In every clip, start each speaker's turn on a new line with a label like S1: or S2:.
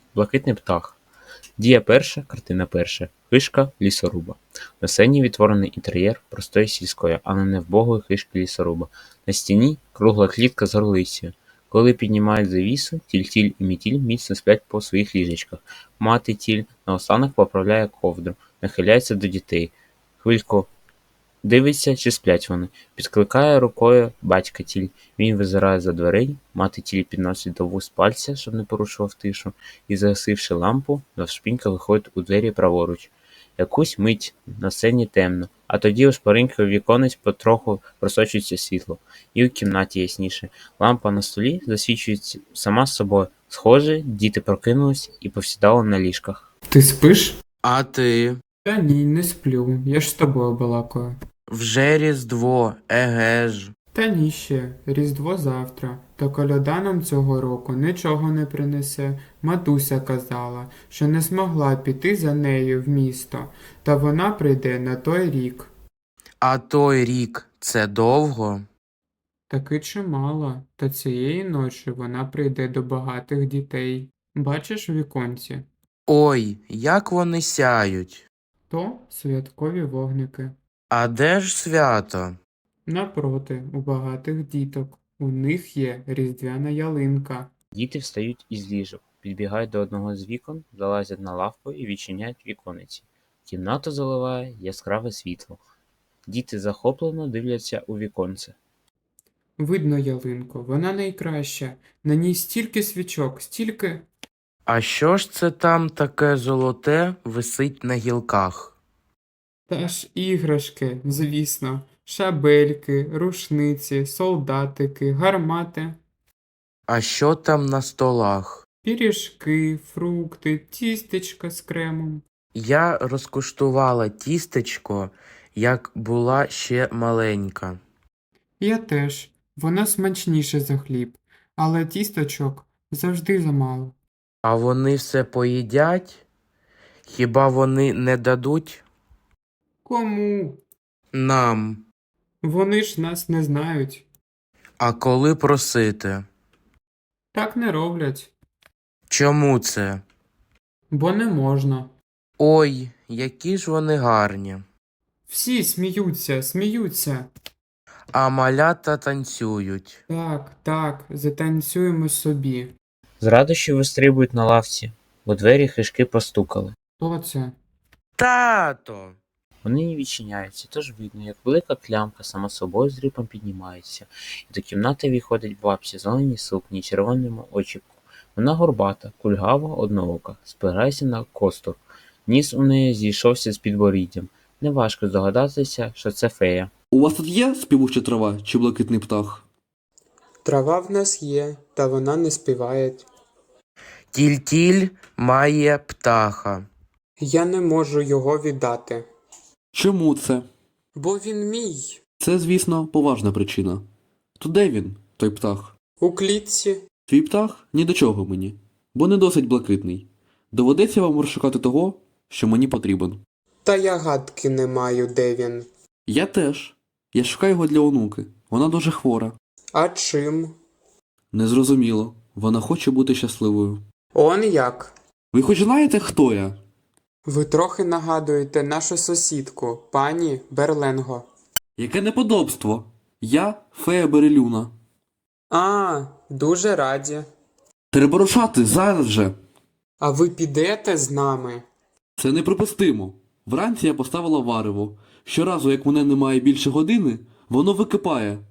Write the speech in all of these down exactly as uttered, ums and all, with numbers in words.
S1: Блакитний птах. Дія перша, картина перша. Хишка лісоруба. На сцені відтворений інтер'єр простої сільської, але не вбогої хишки лісоруба. На стіні кругла клітка з горлицею. Коли піднімають завісу, тільтіль і мітіль міцно сплять по своїх ліжечках. Мати тіль наостанок поправляє ковдру, нахиляється до дітей. Хвильку дивиться, чи сплять вони. Підкликає рукою батька тіль. Він визирає за дверей, мати тіль підносить до вуст пальця, щоб не порушував тишу, і, загасивши лампу, навшпинька виходить у двері праворуч. Якусь мить на сцені темно, а тоді у шпаринки віконець потроху просочується світло. І у кімнаті ясніше. Лампа на столі засвічується сама з собою. Схоже, діти прокинулись і повсідали на ліжках.
S2: Ти спиш?
S3: А ти?
S2: Та ні, не сплю. Я ж з тобою балакаю.
S3: Вже Різдво, еге ж.
S2: Та ні ще. Різдво завтра. Та коляда нам цього року нічого не принесе. Матуся казала, що не змогла піти за нею в місто. Та вона прийде на той рік.
S3: А той рік – це довго?
S2: Таки чимало. Та цієї ночі вона прийде до багатих дітей. Бачиш у віконці?
S3: Ой, як вони сяють.
S2: То святкові вогники.
S3: А де ж свято?
S2: Напроти, у багатих діток. У них є різдвяна ялинка.
S1: Діти встають із ліжок, підбігають до одного з вікон, залазять на лавку і відчиняють вікониці. Кімнату заливає яскраве світло. Діти захоплено дивляться у віконце.
S2: Видно ялинку, вона найкраща. На ній стільки свічок, стільки...
S3: А що ж це там таке золоте висить на гілках?
S2: Та ж іграшки, звісно. Шабельки, рушниці, солдатики, гармати.
S3: А що там на столах?
S2: Пиріжки, фрукти, тістечка з кремом.
S3: Я розкуштувала тістечко, як була ще маленька.
S2: Я теж. Воно смачніше за хліб. Але тісточок завжди замало.
S3: А вони все поїдять? Хіба вони не дадуть?
S2: Кому?
S3: Нам.
S2: Вони ж нас не знають.
S3: А коли просити?
S2: Так не роблять.
S3: Чому це?
S2: Бо не можна.
S3: Ой, які ж вони гарні.
S2: Всі сміються, сміються.
S3: А малята танцюють.
S2: Так, так, затанцюємо собі.
S1: З радощів вистрибують на лавці. У двері хишки постукали.
S2: Хто це?
S3: Тато!
S1: Вони не відчиняються, тож видно, як велика клямка сама собою з рипом піднімається, і до кімнати виходить бабця в зеленій сукні й червоному очіпку. Вона горбата, кульгава, одноока, спирається на костур. Ніс у неї зійшовся з підборіддям. Неважко здогадатися, що це фея.
S4: У вас тут є співуча трава чи блакитний птах?
S2: Трава в нас є, та вона не співає.
S3: Тіль-тіль має птаха.
S2: Я не можу його віддати.
S4: Чому це?
S2: Бо він мій.
S4: Це, звісно, поважна причина. То де він, той птах?
S2: У клітці.
S4: Твій птах ні до чого мені, бо не досить блакитний. Доведеться вам розшукати того, що мені потрібен.
S2: Та я гадки не маю, де він.
S4: Я теж. Я шукаю його для онуки. Вона дуже хвора.
S2: А чим?
S4: Незрозуміло. Вона хоче бути щасливою.
S2: Он як?
S4: Ви хоч знаєте, хто я?
S2: Ви трохи нагадуєте нашу сусідку, пані Берленго.
S4: Яке неподобство! Я фея Берелюна.
S2: А, дуже раді.
S4: Треба рушати зараз же.
S2: А ви підете з нами?
S4: Це неприпустимо. Вранці я поставила варево. Щоразу, як мене немає більше години, воно википає.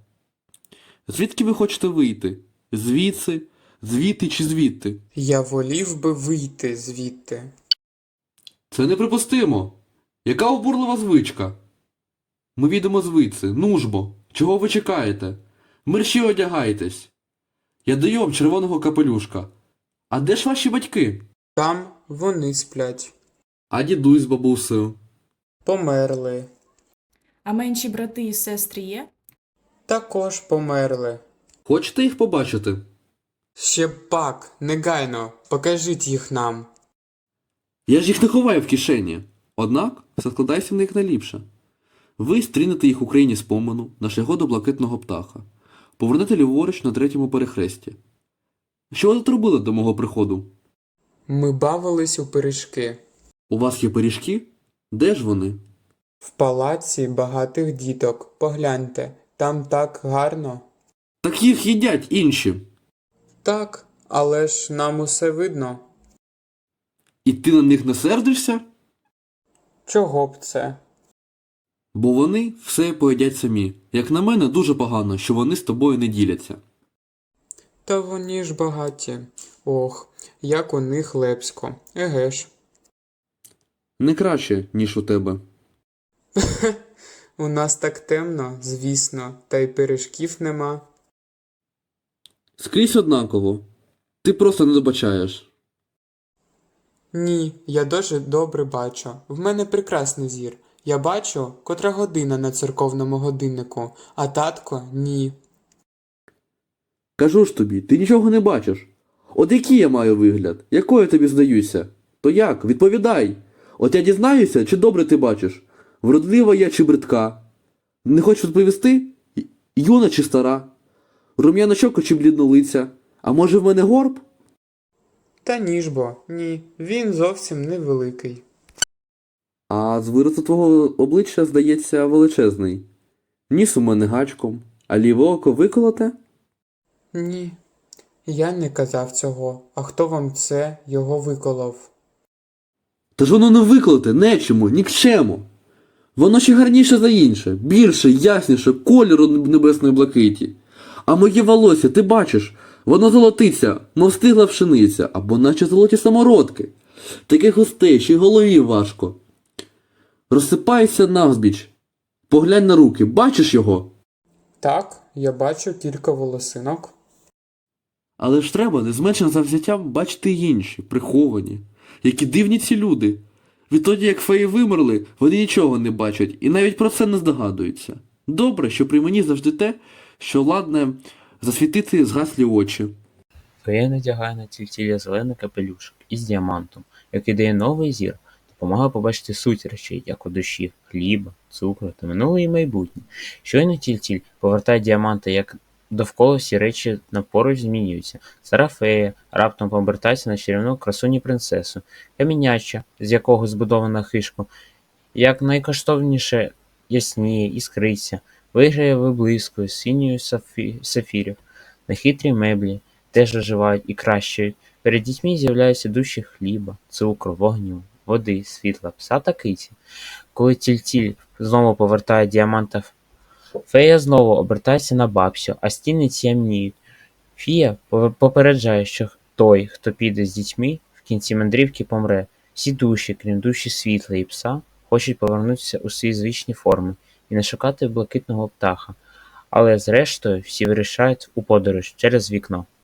S4: Звідки ви хочете вийти? Звідси, звідти чи звідти?
S2: Я волів би вийти звідти.
S4: Це неприпустимо. Яка обурлива звичка? Ми відемо звідси. Ну ж бо, чого ви чекаєте? Мерщі одягайтесь. Я даю вам червоного капелюшка. А де ж ваші батьки?
S2: Там вони сплять.
S4: А дідусь з бабусею?
S2: Померли.
S5: А менші брати і сестри є?
S2: Також померли.
S4: Хочете їх побачити?
S2: Ще пак, негайно, покажіть їх нам.
S4: Я ж їх не ховаю в кишені. Однак все складається в них найліпше. Ви стрінете їх у країні спомену на шляху до блакитного птаха. Повернете ліворуч на третьому перехресті. Що ви тут робили до мого приходу?
S2: Ми бавились у пиріжки.
S4: У вас є пиріжки? Де ж вони?
S2: В палаці багатих діток. Погляньте, там так гарно.
S4: Так їх їдять інші.
S2: Так, але ж нам усе видно.
S4: І ти на них не сердишся?
S2: Чого б це?
S4: Бо вони все поїдять самі. Як на мене, дуже погано, що вони з тобою не діляться.
S2: Та вони ж багаті. Ох, як у них лепсько. Еге ж.
S4: Не краще, ніж у тебе.
S2: У нас так темно, звісно, та й пиріжків нема.
S4: Скрізь однаково. Ти просто не добачаєш.
S2: Ні, я дуже добре бачу. В мене прекрасний зір. Я бачу, котра година на церковному годиннику, а татко – ні.
S4: Кажу ж тобі, ти нічого не бачиш. От який я маю вигляд? Якою я тобі здаюся? То як? Відповідай. От я дізнаюся, чи добре ти бачиш? Вродлива я чи бридка? Не хочеш відповісти? Й- Юна чи стара? Рум'яна щока чи бліднолиця? А може в мене горб?
S2: Та ні ж бо, ні, він зовсім невеликий.
S4: А з виразу твого обличчя, здається, величезний. Ніс у мене гачком, а ліве око виколоте?
S2: Ні, я не казав цього, а хто вам це його виколов?
S4: Та ж воно не виколоте, нечому, нікчему. Воно ще гарніше за інше, більше, ясніше, кольору небесної блакиті. А моє волосся, ти бачиш, воно золотиться, мов стигла пшениця, або наче золоті самородки. Таке густе, ще й голові важко. Розсипається навзбіч. Поглянь на руки, бачиш його?
S2: Так, я бачу кілька волосинок.
S4: Але ж треба не з меншим завзяттям бачити й інші, приховані. Які дивні ці люди. Відтоді, як феї вимерли, вони нічого не бачать і навіть про це не здогадуються. Добре, що при мені завжди те, що ладне засвітити згаслі очі.
S1: Фея надягає на тільтілля зелений капелюшок із діамантом, який дає новий зір, допомагає побачити суть речей, як у душі, хліба, цукру та минуле і майбутнє. Щойно тільтіль повертає діаманти, як довкола всі речі напоруч змінюються. Стара фея раптом повертається на чарівну красуні принцесу, каміняча, з якого збудована хишка, як найкоштовніше ясніє, іскриться, виграє виблискує синьою сафі... сафірів. На хитрі меблі теж оживають і кращають. Перед дітьми з'являються душі хліба, цукру, вогню, води, світла, пса та киті. Коли тільтіль знову повертає діаманта, фея знову обертається на бабцю, а стіни тямніють. Фія попереджає, що той, хто піде з дітьми, в кінці мандрівки помре. Всі душі, крім душі світла і пса, хочуть повернутися у свої звичні форми і не шукати блакитного птаха. Але зрештою всі вирішають у подорож через вікно.